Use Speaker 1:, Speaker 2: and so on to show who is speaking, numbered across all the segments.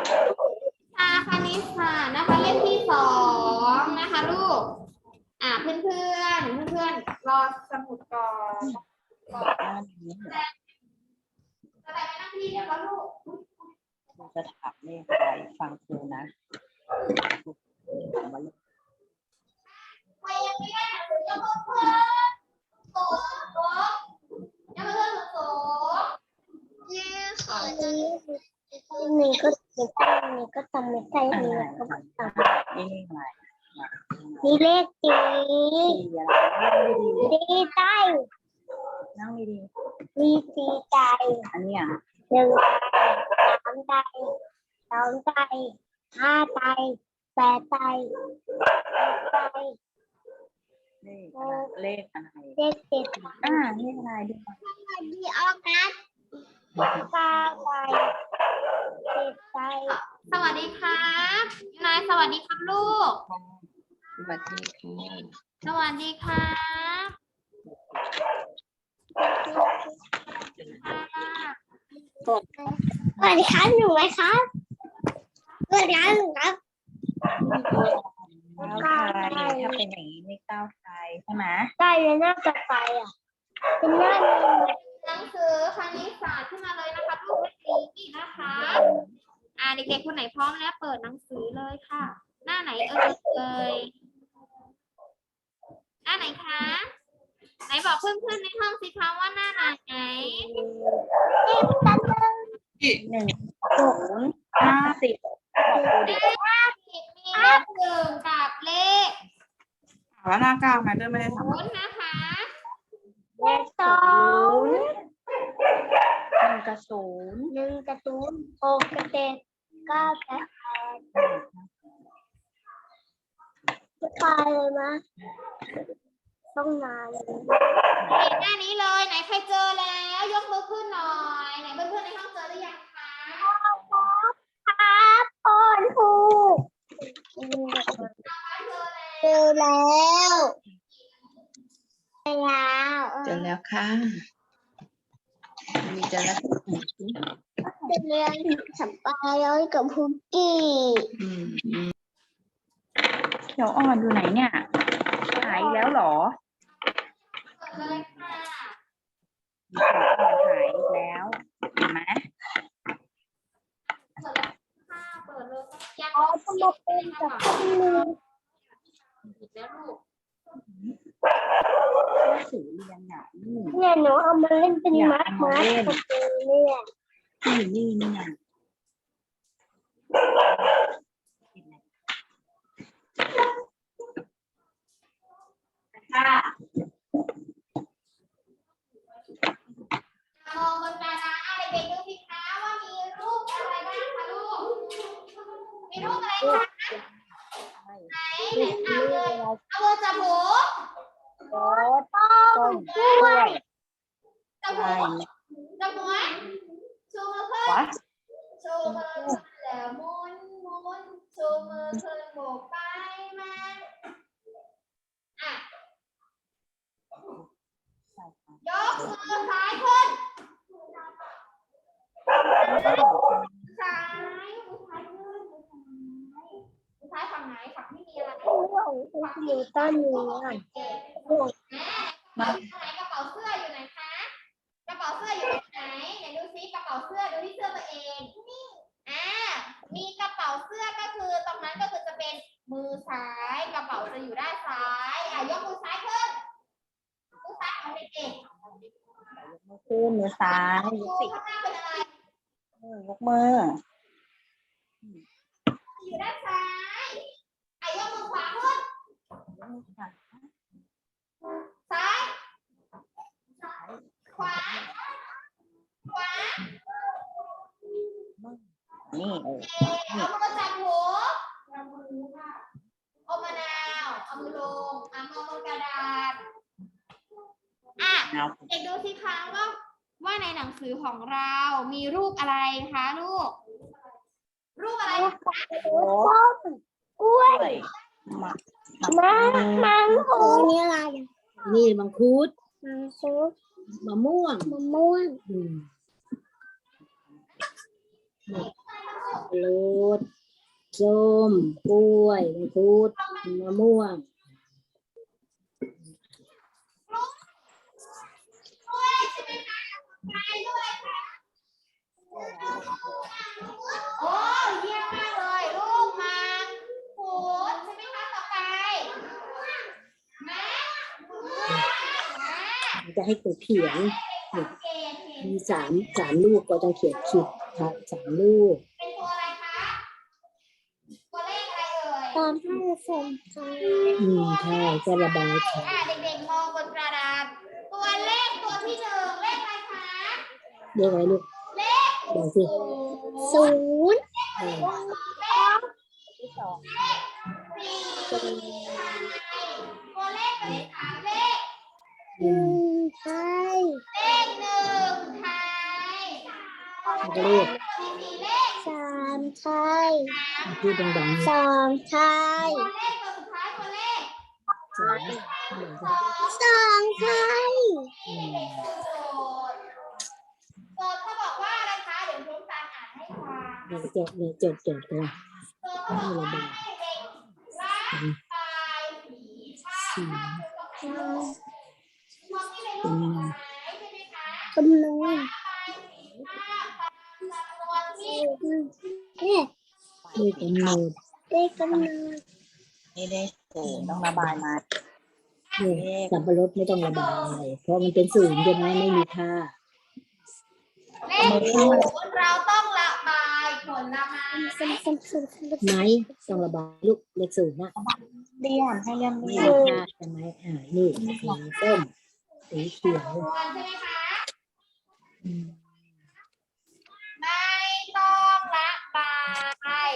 Speaker 1: คณิตศาสตร์นะคะเล่มที่2นะคะลูกเพื่อนรอสมุดก่อนจะได้ไม่นั่งที่เดียวกันลูก
Speaker 2: เราจะถามเลขอะไรฟังครูนะ
Speaker 1: ใครยังไม่ได้หนังสือยกมือเพื่อนโต๊ะยังไม่เพื่อนโต๊ะ
Speaker 3: นี่ก็ทำไม่ได้นี่ก็ทำ
Speaker 2: นี่อะไร
Speaker 3: มีเลขตี
Speaker 2: อะไร
Speaker 3: ดีใจ
Speaker 2: นั่งดี
Speaker 3: มีตีใจ
Speaker 2: อันนี้อ่ะ
Speaker 3: 1 ใจ 3 ใจ 2 ใจ 5 ใจ 8 ใจ 6 ใจ
Speaker 2: เลขอะไร
Speaker 3: เลข7
Speaker 2: เลขอะไรดู
Speaker 3: ดีออกัส9 ใจ 10 ใจ
Speaker 1: สวัสดีครับนายสวัสดีครับลูก
Speaker 2: สวัสดีค่ะ
Speaker 1: สวัสดีครับ
Speaker 3: สวัสดีครับหนูไหมครับสวัสดีครับหนูครับ
Speaker 2: ก้าวไทยถ้าเป็นอย่างนี้เลขก้าวไทยใช่ไหม
Speaker 3: ได้เลยหน้าต่อไปเป็นหน้าหนึ่ง
Speaker 1: หนังสือคณิตศาสตร์ขึ้นมาเลยนะคะลูกเล่มนี้นะคะเด็กๆคนไหนพร้อมแล้วเปิดหนังสือเลยค่ะ หน้าไหนเอ่ยหน้าไหนคะไหนบอกเพื่อนๆในห้องสิคะว่าหน้าไหน
Speaker 2: 1 0 50บอกดูดิ
Speaker 1: มีเลข 1กับเลข
Speaker 2: แล้วหน้าก้าวไหมเดินไม่ได้ทำ
Speaker 1: 0นะคะ
Speaker 3: เลข2
Speaker 2: 1 กับ 0
Speaker 3: 1 กับ 0 6 กับ 7 9 กับ 8จะไปเลยนะต้องนานเลย
Speaker 1: หน้านี้เลยไหนใครเจอแล้วยกมือขึ้นหน่อยไหนเพื่อนๆในห้องเจอหรือยังคะ
Speaker 3: ครับพ่อนผูกเจอแล้วเจอแล้ว
Speaker 2: เจอแล้วค่ะมีเจอแล้ว
Speaker 3: จะเรียนสัมปายอยกับพุกกี้
Speaker 2: เขียวอ่อนอยู่ไหนเนี่ยหายแล้วเหรอ
Speaker 1: เปิดเลยค่ะ
Speaker 2: เขียวอ่อนหายอีกแล้วเห็นไหม
Speaker 1: เปิดเลยยัง
Speaker 3: อ๋อจะมาเป็นกับพี่มือ
Speaker 1: ผิดแล้วลูก
Speaker 2: หนังสือเรียนอ่ะนี่
Speaker 3: เนี่ยหนูเอามาเล่นเป็นมัดมัดกับเนี่ย
Speaker 2: นี่ไง
Speaker 1: มองบนกระดานเด็กๆดูสิคะว่ามีรูปอะไรบ้างคะลูกมีรูปอะไรคะไหนเอาเลยเอามือจับหู
Speaker 2: โต๊ะต้นกล้วย
Speaker 1: จับหูจับหัวชูมือขึ้น
Speaker 2: วะ
Speaker 1: ชูมือขึ้นแล้วหมุนชูมือขึ้นโบกไปมา ยกมือซ้ายขึ้นซ้ายมือซ้ายขึ้นมือซ้ายฝั่งไหนฝั่งที่มีอะไร
Speaker 3: อยู่ต้นนี้ก่อน
Speaker 1: ไหนกระเป๋าเสื้ออยู่ไหนคะกระเป๋าเสื้ออยู่ตรงไหนไหนดูซิกระเป๋าเสื้อดูที่เสื้อตัวเองมีกระเป๋าเสื้อก็คือตรงนั้นก็คือจะเป็นมือซ้ายกระเป๋าจะอยู่ด้านซ้ายยกมือซ้ายขึ้นมือซ้ายของเด็กๆ
Speaker 2: ขึ้นมือซ้ายยกสิ
Speaker 1: ข้างหน้าเป็นอะไร
Speaker 2: ยกมือ
Speaker 1: อยู่ด้านซ้ายยกมือขวาขึ้นซ้ายขวา
Speaker 2: นี่
Speaker 1: เอามือจับหูอมมะนาวเอามือลงมองบนกระดาษเด็กดูสิคะว่าในหนังสือของเรามีรูปอะไรคะลูกรูปอะไรคะ
Speaker 3: กล้วย มังคุดนี่อะไร
Speaker 4: นี่มังคุด
Speaker 3: มังคุด
Speaker 4: มะม่วง
Speaker 3: มะม่วง
Speaker 4: อืม
Speaker 1: ม
Speaker 4: รดส้มกล้วยมังคุดมะม่วง
Speaker 1: ด้วยใช่ไหมคะไปด้วยค่ะโอ้เยี่ยมมากเลยลูกมาพูดใช่ไหมคะต่อไปแม่
Speaker 4: จะให้ครูเขียน
Speaker 1: สังเกตเห็น
Speaker 4: มีสามลูกก็ต้องเขียนขีดค่ะ3 ลูก
Speaker 1: เป็นตัวอะไรคะตัวเลขอะไรเอ่ย
Speaker 3: ตอนให้เสร็จค่ะ
Speaker 4: ใช่ก็ระบายค่ะ
Speaker 1: เด็กๆมองบนกระดานตัวเลขตัวที่หนึ่งเลขอะไรคะ
Speaker 4: เรียกอะไรลูก
Speaker 1: เลข
Speaker 4: บอกสิ
Speaker 3: ศูนย์
Speaker 4: เออ
Speaker 1: เลขที่สองสี่ตัวเลขตัวที่สามเลข
Speaker 3: ไทย
Speaker 1: เลขหนึ่งไทย
Speaker 4: แล้วก็เลข
Speaker 1: ตัวที่สี่เลข
Speaker 3: สามไทย
Speaker 4: พูดดังๆ
Speaker 3: สองไทย
Speaker 1: ตัวเลขตัวสุดท้ายตัวเลข
Speaker 4: สาม
Speaker 3: สองไทย
Speaker 1: เด็กๆดูโจทย์เขาบอกว่าอะไรคะเดี๋ยวทุกท่านอ่านให้ฟัง
Speaker 4: เดี๋ยวจดกัน
Speaker 1: โจทย์เขาบอกว่าให้เด็กร่างกายสีชาติมองที่เป็นรูปผลไม้ใช่ไหมคะ
Speaker 3: คำนวณ
Speaker 1: นี่
Speaker 3: เนี่ย
Speaker 4: เลขกำหนด
Speaker 3: เลขกำนวณ
Speaker 2: นี่ได้ศูนย์ต้องระบายมา
Speaker 4: เนี่ยสับปะรดไม่ต้องระบายเพราะมันเป็นศูนย์ใช่ไหมไม่มีค่า
Speaker 1: เลขศูนย์เราต้องระบายผลไม้
Speaker 3: ซ้ำ
Speaker 4: ไหมต้องระบายลูกเลขศูนย์นะ
Speaker 2: เรียนให้เรียน
Speaker 4: ไม่
Speaker 2: เรีย
Speaker 4: มี
Speaker 2: น
Speaker 4: ค่าใช่ไหมนี่สีส้มสีเขียว
Speaker 1: ส่วนใช่ไหมคะ
Speaker 4: อืม
Speaker 1: ไม่ต้องระบาย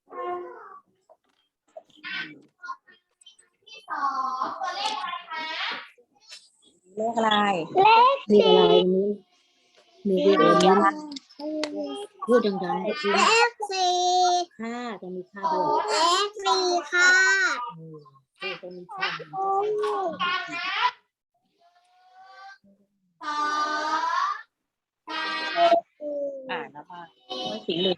Speaker 1: ที่สองตัวเลขอะไรคะ
Speaker 2: เลขอะไร
Speaker 4: เลขอะไรนี้มีเลขอะไรนี้พูดดังๆก็คือ
Speaker 3: เลขสี่
Speaker 4: ค่าต้องมีค่า
Speaker 1: โอ้
Speaker 4: ด้วย
Speaker 3: เลขสี่ค่ะ
Speaker 4: เลขต้องมีค่า
Speaker 1: กันนะสองสาม
Speaker 2: ระบายด้วยสีเหลือง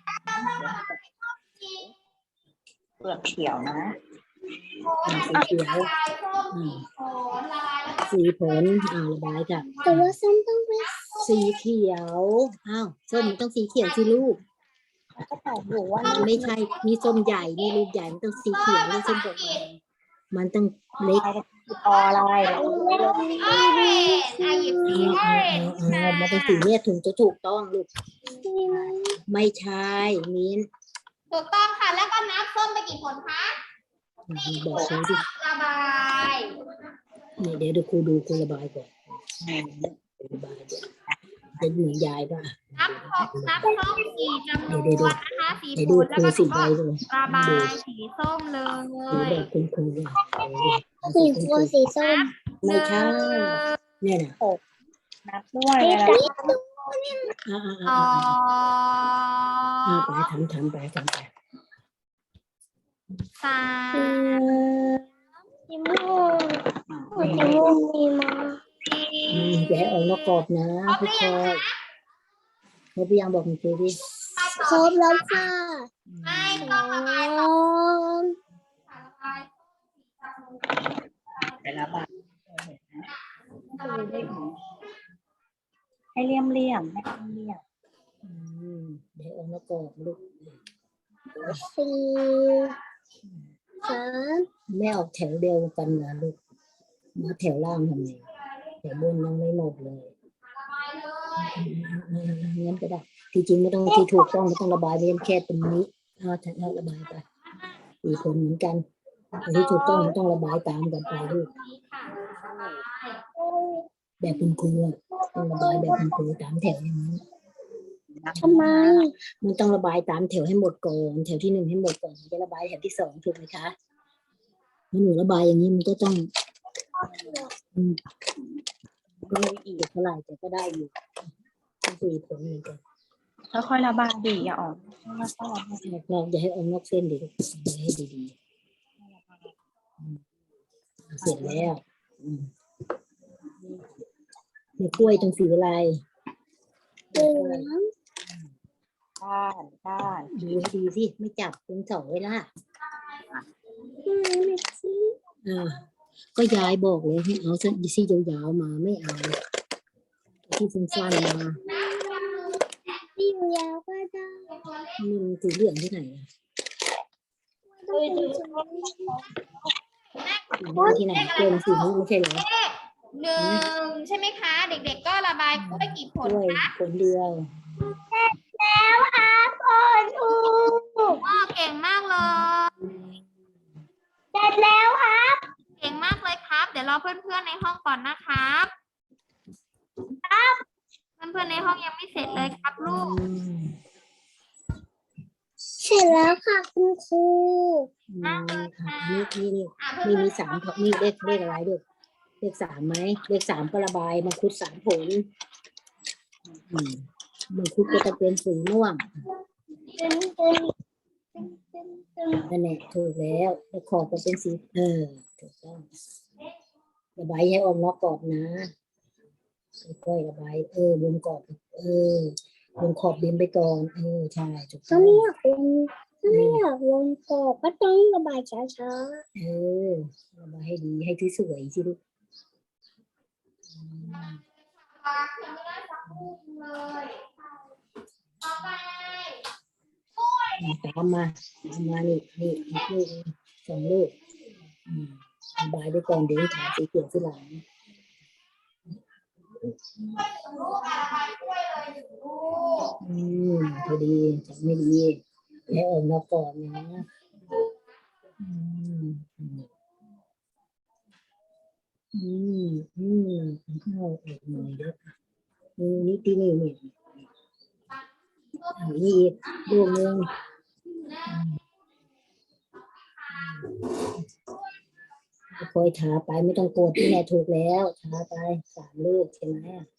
Speaker 2: เปลือกเขียวนะ
Speaker 4: สีเขียว
Speaker 1: ละลายส้มสีผลละลายแล้วก็
Speaker 4: สีผลระบายค่ะ
Speaker 3: แต่ว่าส้มต้องเป็น
Speaker 4: สีเขียวส้มมันต้องสีเขียวสิลูก
Speaker 2: ก็ตอบอยู่ว่า
Speaker 4: มันไม่ใช่นี่ส้มใหญ่นี่ลูกใหญ่มันต้องสีเขียวนี่ส้มดอกไม้มันต้องเล็ก
Speaker 2: ออะไร
Speaker 1: ออเรนจ์หยิบสีออเรนจ์ค่ะ
Speaker 4: มันต้องสีเนี่ยถึงจะถูกต้องลูกไม่ใช่มิ้น
Speaker 1: ถูกต้องค่ะ แล้วก็นับส้มไปกี่ผลคะ
Speaker 4: บอกเขาสิ
Speaker 1: ระบาย
Speaker 4: เนี่ยเดี๋ยวครูดูครูระบายก่อนระบายเดี๋ยวจะเหมือนยายป่ะ
Speaker 1: นับส้มกี่จำนวนนะคะสี
Speaker 4: เดี๋ยว
Speaker 1: ผ
Speaker 4: ดู
Speaker 1: ล
Speaker 4: ค
Speaker 1: แล้ว
Speaker 4: รู
Speaker 1: ก็
Speaker 4: สีใบเลย
Speaker 1: ระบายสีส้มเล
Speaker 4: ดู
Speaker 1: ย
Speaker 4: แบบคุณครูอ่ะ
Speaker 3: สีฟ้าสีส้ม
Speaker 4: ไม่ใช่เนี่ยนะ
Speaker 2: นับด้วย
Speaker 3: เลข
Speaker 2: อะไร
Speaker 3: นี้
Speaker 1: สอง
Speaker 4: ไปทำไป
Speaker 1: สาม
Speaker 3: สีม่วงสีม่วงมีมา
Speaker 1: สี่
Speaker 4: อย่าให้ออกนอกกรอบนะพี่คอยเขาพยายามบอกคุณครูดิ
Speaker 3: ครบแล้วค่ะ
Speaker 1: ไม่ต้องระบาย
Speaker 3: สอง
Speaker 1: ระบาย
Speaker 2: ไประบายให้เลี่ยมให้เลี่ยม
Speaker 4: เดี๋ยวออกนอกกรอบลูก
Speaker 3: สี่สาม
Speaker 4: แม่ออกแถวเดียวกันนะลูกมาแถวล่างทำไงแถวบนยังไม่หมดเลย
Speaker 1: ระบายเลย
Speaker 4: งั้นก็ได้ที่จริงไม่ต้องที่ถูกต้องไม่ต้องระบายเพียงแค่ตรงนี้ถ้าระบายไปสีผลเหมือนกันแต่ที่ถูกต้องมันต้องระบายตามกันไปลูก
Speaker 1: นี่ค่ะระบาย
Speaker 4: แบบคุณครูต้องระบายแบบคุณครูตามแถวอย่างนี้
Speaker 3: ทำไม
Speaker 4: มันต้องระบายตามแถวให้หมดก่อนแถวที่ 1ให้หมดก่อนถึงจะระบายแถวที่ 2ถูกไหมคะเมื่อหนูระบายอย่างนี้มันก็ต้องก็ไม่อีกเท่าไหร่แต่ก็ได้อยู่ต้องสีผลเหมือนกัน
Speaker 2: ค่อยๆระบายดีอย่าออกแล้วก็
Speaker 4: เราอย่าให้ออกนอกเส้นดิลูกอย่าให้ดีๆเสร็จแล้วในกล้วยตรงสีอะไร
Speaker 3: เหลือง
Speaker 2: ขด้าน
Speaker 4: ดูให้ดีสิไม่จับเป็นสองเวลาก็ยายบอกเลยให้เอาเส้นซี่ยาวๆมาไม่เอาที่สั้นๆมา
Speaker 3: ที่อยู่ยาวก็ได้
Speaker 4: นี่มันสีเหลืองที่ไหนอะ
Speaker 3: ต้องเป็นจุด
Speaker 4: สีที่ไหนเกินสีนี้ไม่ใช่เหรอ
Speaker 1: หนึ่งใช่ไหมคะ เด็กๆก็ระบายกล้วยกี่ผล
Speaker 4: ด้วย
Speaker 1: คะ
Speaker 4: ผลเดียว
Speaker 3: แล้วครับคุณครู
Speaker 1: ว้าเก่งมากเลย
Speaker 3: เสร็จแล้วครับ
Speaker 1: เก่งมากเลยครับ เดี๋ยวรอเพื่อนๆในห้องก่อนนะครับ เพื่อนๆในห้องยังไม่เสร็จเลยครับลูก
Speaker 3: เสร็จแล้วค่ะคุณครู
Speaker 4: นี่มีสามนี่เลขอะไรด้วยเลขสามไหมเลขสามก็ระบายมังคุดสามผลมังคุดก็จะเป็นสีม่วง
Speaker 3: ตึ้งตึ้ง
Speaker 4: นั่นแหละถูกแล้วขอบก็เป็นสีถูกต้องระบายให้ออกนอกกรอบนะค่อยๆระบายบนกรอบบนขอบดินไปก่อนใช่ถูกต้
Speaker 3: ถ้า
Speaker 4: อง
Speaker 3: ไม่อยากวงถ้าไม่อยากวงกรอบก็ต้องระบายช้า
Speaker 4: ระบายให้ดีให้ที่สวยสิลูก
Speaker 1: ยังไม่ได้สักลูกเลยต่อไป
Speaker 4: ตามมานี่อีกลูกสองลูกระบายไปก่อนเดี๋ยวถาสีเขียวที่หลัง
Speaker 1: ลูกระบายกล้วยเลยหนึ่งลูก
Speaker 4: พอดีจับไม่ดีให้ออกนอกก่อนนะเข้าออกหน่อยเด้อนี่ที่นี่นี่อีกลูกนึงคอยทาไปไม่ต้องโกรธที่แม่ถูกแล้วทาไปสามลูกใช่ไหม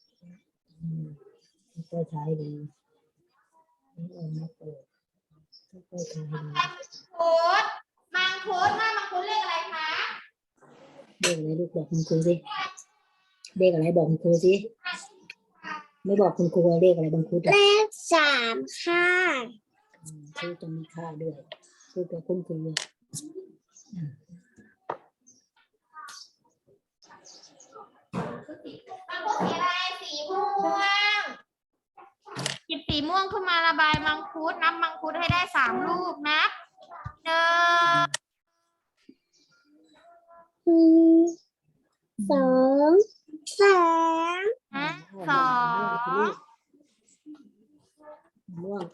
Speaker 4: ค่อยทาให้ดีไม่ออกนอกก่อนค่อยทาให้ดี
Speaker 1: มังคุดว่ามังคุดเลขอะไรคะ
Speaker 4: เลขอะไรลูกบอกคุณครูสิเลขอะไรบอกคุณครูสิไม่บอกคุณครูเลขอะไรบางครู
Speaker 3: ๆเลข3ค่ะ
Speaker 4: ชื่อต้องมีค่าด้วยพูดกับคุณครู
Speaker 1: มังคุดสีอะไรสีม่วงหยิบสีม่วงขึ้นมาระบายมังคุดนับมังคุดให้ได้3ลูกนะ1
Speaker 3: 2 3
Speaker 1: 2
Speaker 4: ม่วง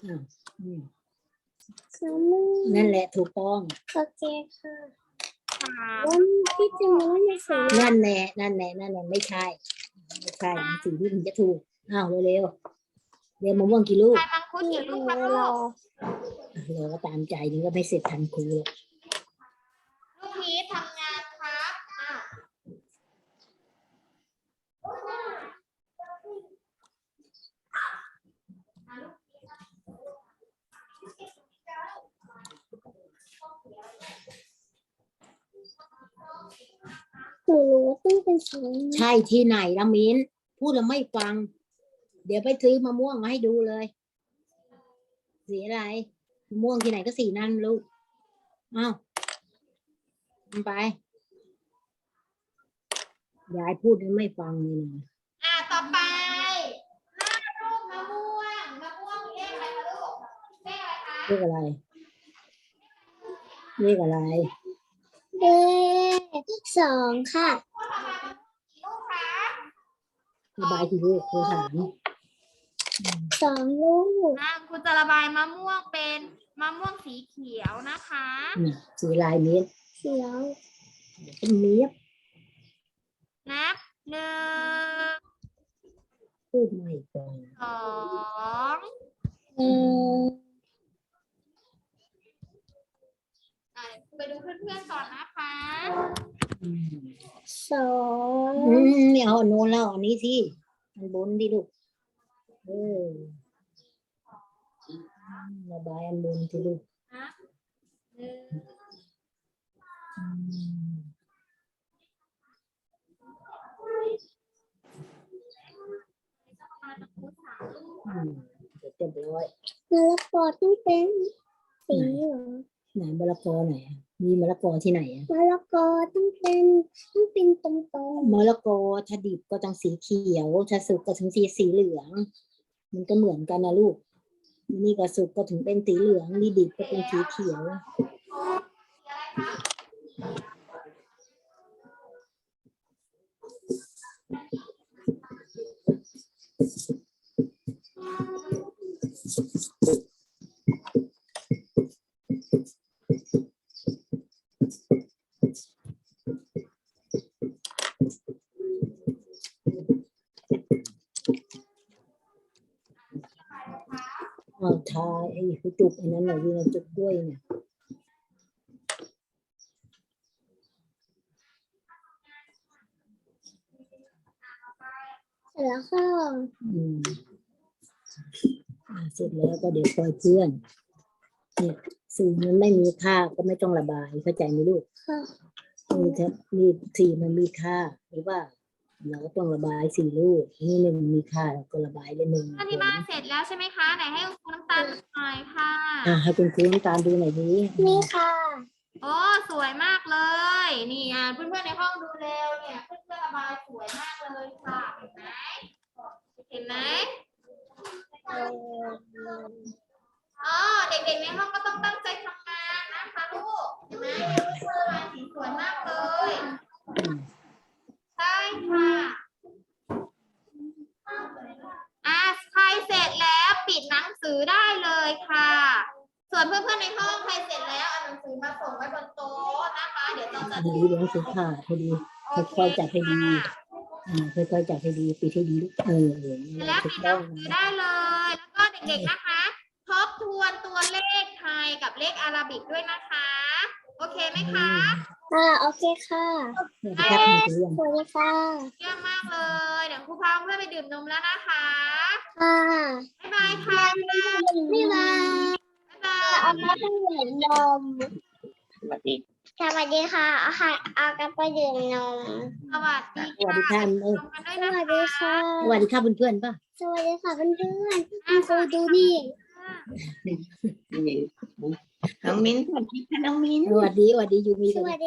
Speaker 3: 3
Speaker 4: นั่นแหละถูกต้อง
Speaker 3: โอเคค่ะ
Speaker 1: 3
Speaker 3: แล้วที่จริงมันไม่ใช่
Speaker 4: นั่นแหละไม่ใช่สีที่มันจะถูกเร็วเรียนมะม่วงกี่ลูก
Speaker 1: ใครมังคุดกี่ลูกครับลูก
Speaker 4: เราก็ตามใจนี่ก็ไม่เสร็จทันครูหรอก
Speaker 1: ลูกพีชทำงานครับ
Speaker 3: หนูรู้ว่าต้องเป็นสี
Speaker 4: ใช่ที่ไหนละมิ้นพูดแล้วไม่ฟัง เดี๋ยวไปซื้อมะม่วงมาให้ดูเลยสีอะไรมะม่วงที่ไหนก็สีนั่นลูกไปยายพูดแล้วไม่ฟังเลยนะ
Speaker 1: ต่อไปรูปมะม่วงเลขอะไรคะลูกเลขอะไรคะ
Speaker 4: เลขอะไร
Speaker 3: เลข2ค่ะ
Speaker 1: ลูกคะ
Speaker 4: ระบายกี่ลูกครูถาม
Speaker 3: 2 ลูก
Speaker 1: คุณจะระบายมะม่วงเป็นมะม่วงสีเขียวนะคะ
Speaker 4: สีลายเม็ด
Speaker 3: เขียว
Speaker 4: เป็นเม็ด
Speaker 1: นับ 1
Speaker 4: พูดไม่ฟัง
Speaker 1: 2 ไปดูเพื่อนๆก่อนนะคะ
Speaker 3: 2
Speaker 4: ไม่เอาโน้นแล้วอันนี้สิมันบนดิลูกระบายอันบนสิลูก
Speaker 1: นับ 1
Speaker 4: เสร็จเรียบร้อย
Speaker 3: มะละกอต้องเป็นสีเหรอ
Speaker 4: ไหนมะละกอไหนอะมีมะละกอที่ไหนอะ
Speaker 3: มะละกอต้องเป็นตรง
Speaker 4: มะละกอถ้าดิบก็ต้องสีเขียวถ้าสุกก็ถึงสีเหลือง มันก็เหมือนกันนะลูกนี่ก็สุกก็ถึงเป็นสีเหลืองนี่ดิบก็เป็นสีเขียว เอาทาไอ้จุกอันนั้นหน่อยดีนะจุกด้วยเนี่ย
Speaker 3: ๆเสร็จแล้วค่ะ
Speaker 4: อืมเสร็จแล้วก็เดี๋ยวปล่อยเพื่อน เนี่ยสีมันไม่มีค่าก็ไม่ต้องระบายเข้าใจไหมลูก
Speaker 3: ค่ะ
Speaker 4: นี่สีมันมีค่าหรือว่าเราก็ต้องระบายสีลูกนี่หนึ่งมีค่าเราก็ระบายเลยหนึ่ง
Speaker 1: อธิบายเสร็จแล้วใช่ไหมคะไหนให้คุณครูน้ำตาลดูหน่อยค่ะ
Speaker 4: ให้คุณครูน้ำตาลดูหน่อยดิ
Speaker 3: นี่ค่ะ
Speaker 1: โอ้สวยมากเลย นี่เพื่อนๆในห้องดูเร็วเนี่ยเพื่อนๆระบายสวยมากเลยค่ะเห็นไหมเห็นไหมอ๋อเด็กๆในห้องก็ต้องตั้งใจทำงานนะคะลูกเห็นไหมเพื่อนๆระบายสีสวยมากเลยใช่ค่ะใครเสร็จแล้วปิดหนังสือได้เลยค่ะ ส่วนเพื่อนๆในห้องใครเสร็จแล้วเอาหนังสือมาส่งไว้บนโต๊ะนะคะเดี๋ยวเราจะ
Speaker 4: ดีเลี้ยงสีขาดให้ดีค่อยๆจับให้ดีค่อยๆจับให้ดีปิดให้ดี
Speaker 1: แล้ว
Speaker 4: ถู
Speaker 1: ปิ
Speaker 4: ก
Speaker 1: ดห
Speaker 4: ต้
Speaker 1: นั
Speaker 4: อง
Speaker 1: งสือได้เลย แล้วก็เด็กๆนะคะ ทบทวนตัวเลขไทยกับเลขอาราบิกด้วยนะคะ โอเคไหมคะ
Speaker 3: โอเคค่ะ
Speaker 4: ครับคุณครู
Speaker 3: สวัสดีค่ะ
Speaker 1: เยี่ยมมากเลย เดี๋ยวครูพาเพื่อนไปดื่มนมแล้วนะคะ
Speaker 3: ค่ะ
Speaker 1: บ๊ายบายค่ะ
Speaker 3: บ๊ายบาย
Speaker 1: บ๊ายบาย
Speaker 3: เอามาไปดื่มนมสวัสดีค่ะเอากลับไปดื่มนม
Speaker 1: สวัสดี
Speaker 4: สวัสดีค่ะ
Speaker 1: ชมกันด้วย
Speaker 3: ส
Speaker 1: นะ
Speaker 3: วัส
Speaker 1: คะ
Speaker 3: ดีค่ะ
Speaker 4: สวัสดีค่ะเพื่อนๆป่ะ
Speaker 3: สวัสดีค่ะเพื่อนๆคุณครูดูนี่
Speaker 5: น้องมิ้นสวัสดีค่ะน้องมิ้น
Speaker 4: สวัสดียูมี
Speaker 3: สวัสดี